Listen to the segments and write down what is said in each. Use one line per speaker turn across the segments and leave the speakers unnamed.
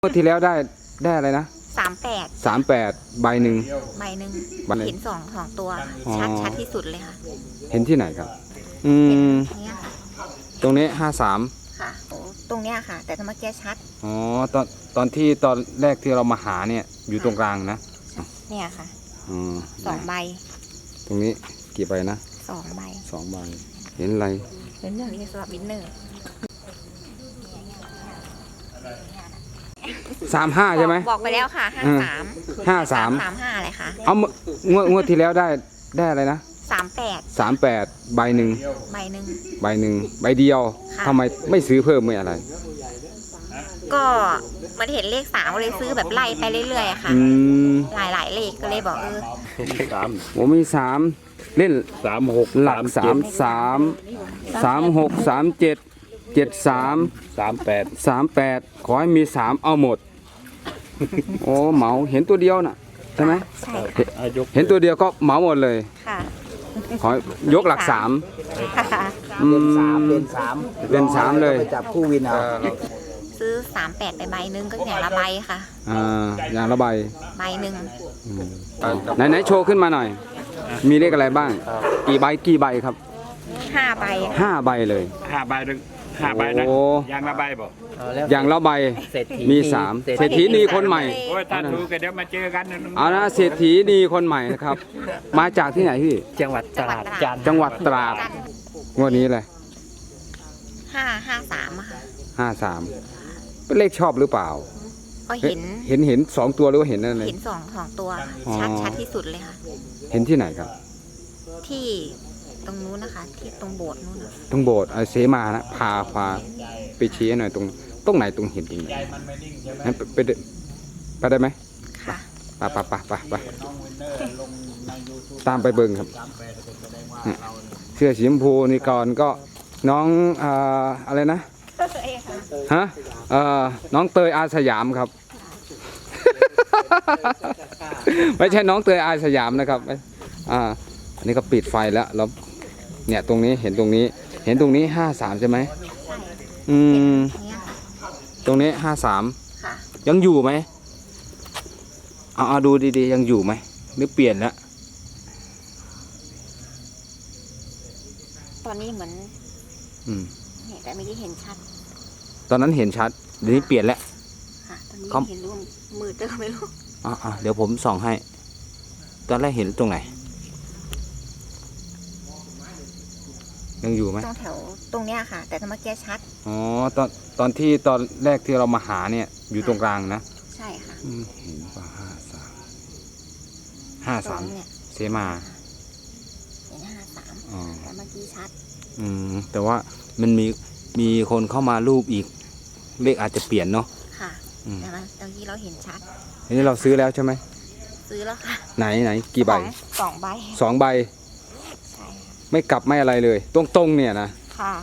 งวดที่แล้วได้อะไรนะ38ใบหนึ่ง
เห็นสองตัวชัดที่สุดเลยค่ะ
เห็นที่ไหนครับ
เนี่ยค่ะ
ตรงนี้53
ค่ะตรงเนี้ยค่ะแต่เมื่อกี้ชัด
อ๋อตอนแรกที่เรามาหาเนี่ยอยู่ตรงกลางนะ
เนี่ยค่ะ2 ใบ
ตรงนี้กี่ใบนะ
2 ใบ
เห็นอะไร
เห็นเรื่องนี้สำหรับวินเนอร์
35ใช่ไหม
บอกไปแล้วค่ะ53อะไรคะ
เอางวดที่แล้วได้อะไรนะ38ใบหนึ่งใบเดียวทำไมไม่ซื้อเพิ่มไม่อะไร
ก็มันเห็นเลข3ก็เลยซื้อแบบไล่ไปเรื่อยๆค่ะหลายเลขก็เลยบอก
ผมมี3เล่น36หลัก36 37 73 38ขอให้มี3เอาหมดโอ้เหมาเห็นตัวเดียวน่ะใช่ไหม
ใช่
เห็นตัวเดียวก็เหมาหมดเลย
ค่ะ
ขอยกหลัก3เป็น3เลย
จับคู่วินเอา
ซื้อ38ไปใบหนึ่งก็อย่างละใบค่ะ
อย่างละใบ
หนึ่ง
ไหนโชว์ขึ้นมาหน่อยมีเลขอะไรบ้างกี่ใบครับ
5 ใบ
5 ใบเลย
5 ใบนะอย่างละใบบอก
อย่างละใบมี3เศรษฐีนีคนใหม่
โอ้ยถ้าถูกก็เดี๋ยวมาเจอกัน
เอานะเศรษฐีนีคนใหม่นะครับมาจากที่ไหนพี่
จังหวัดตราด
จังหวัดตราดงวดนี้เลย
53ค่ะ
53เป็นเลขชอบหรือเปล่า
ก็เ
ห็น2ตัวหรือว่าเห็นอะไร
เห็น2ตัวชัดที่สุดเลยค่ะ
เห็นที่ไหนครับ
ที่ตรงนู้นนะคะที่ตรงโบสถ์นู้น
ตรงโบสถ์เสมานะพาไปชี้หน่อยตรงไหนตรงเห็นจริงไปได้ไหม
ค่ะ
ไปตามไปเบิ่งครับเสื้อสีชมพูนี่ก่อนก็น้องอะไรนะฮะน้องเตยอาสยามครับ ไม่ใช่น้องเตยอาสยามนะครับอันนี้ก็ปิดไฟแล้วเนี่ยตรงนี้เห็นตรงนี้53ใช่ไหมตรงนี้53ยังอยู่ไหมเอาดูดีๆยังอยู่ไหมหรือเปลี่ยนแล้ว
ตอนนี้เหมือนแต่ไม่ได้เห็นชัด
ตอนนั้นเห็นชัดเดี๋ยวนี้เปลี่ยนแล้ว
ค่ะตอนนี้เห็นรูปมืดก็ไม่รู้
เดี๋ยวผมส่องให้ตอนแรกเห็นตรงไหนยังอยู่ไหม
ตรงเนี้ยค่ะแต่เมื่อกี้ชัด
ตอนแรกที่เรามาหาเนี่ยอยู่ตรงกลางนะ
ใช่ค่ะ
เห็นป่ะ53เสมา
เห็น53แต่เมื่อกี้ชัด
แต่ว่ามันมีคนเข้ามารูปอีกเลขอาจจะเปลี่ยนเนาะ
ค่ะแต่ว่าตอนที่เราเห็นชัด
อันนี้เราซื้อแล้วใช่ไหม
ซื้อแล้วค่ะ
ไหนกี่ใบ
2 ใบ
2 ใบไม่กลับไม่อะไรเลยตรงเนี่ยนะ
ค่ะ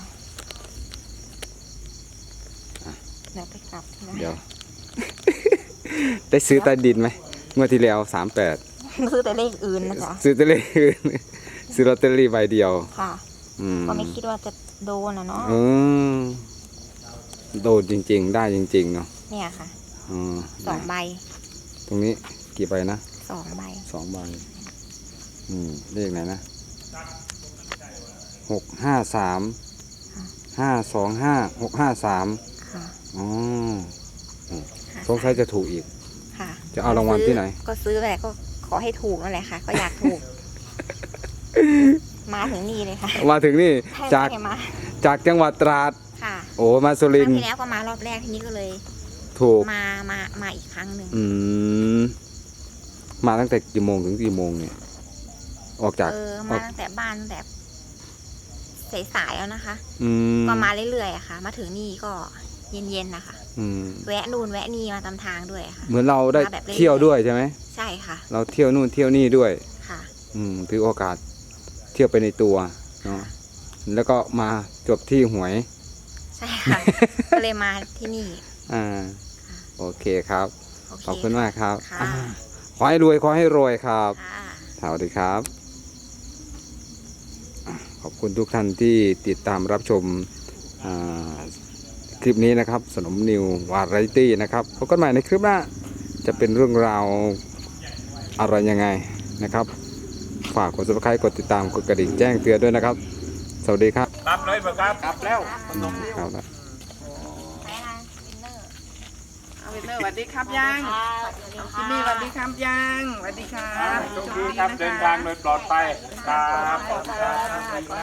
ไปกลับ
เดี๋ยว ได้ซื้อใต้ดินไหมเมื่อที่แล้ว38
ซื้อแต่เลขอื่นนะจ๊ะ
ซื้อแต่เลขอื่นซื้อลอตเตอรี่ใบเดียว
ค่ะก็ไม่คิดว่าจะโดนนะเนาะ
โดนจริงๆได้จริงๆเนาะ
เนี่ยค่ะ2 ใบ
ตรงนี้กี่ใบนะ
2 ใบ
เลขไหนนะ653 525 653
ค่ะ
สงสัยจะถูกอีก
ค่ะ
จะเอารางวัลที่ไหน
ก็ซื้อแหละก็ขอให้ถูกนั่นแหละค่ะก็อยากถูกมาถึงนี่เลยค่ะ
มาถึงนี่จากจังหวัดตราด
ค่ะ
โอ้มาสุรินทร์
ที่แล้วก็มารอบแรกที่นี้ก็เลย
ถูก
มาอีกครั้งหนึ่ง
มาตั้งแต่กี่โมงถึงกี่โมงเนี่ยออกจาก
มาตั้งแต่บ้านแบบสายๆแล้วนะคะก็มาเรื่อยๆอะค่ะมาถึงนี่ก็เย็นๆนะคะแวะนู่นแวะนี่มาตามทางด้วยค่ะ
เหมือนเราได้เที่ยวด้วยใช่ไหม
ใช่ค่ะ
เราเที่ยวนู่นเที่ยวนี่ด้วย
ค่ะ
ถือโอกาสเที่ยวไปในตัวเนาะแล้วก็มาจบที่หวย
ใช่ค่ะก็เลยมาที่นี่
โอเคครับขอบคุณมากครับขอให้รวยครับสวัสดีครับขอบคุณทุกท่านที่ติดตามรับชมคลิปลิปนี้นะครับสนมนิววาไรตี้นะครับพบกันใหม่ในคลิปหน้าจะเป็นเรื่องราวอะไรยังไงนะครับฝากกด subscribe กดติดตามกดกระดิ่งแจ้งเตือนด้วยนะครับสวัสดีครับ
กลับเลยบ่ครับกลับแล้ว
ครับ
ไหนคะวินเนอร์
เอาวินเนอร์สวัสดีครับยังจิมมี่สวัสดีครับยังสวัสดีครับ
โชคดีครับเดินทางโดยปลอดภัยครับ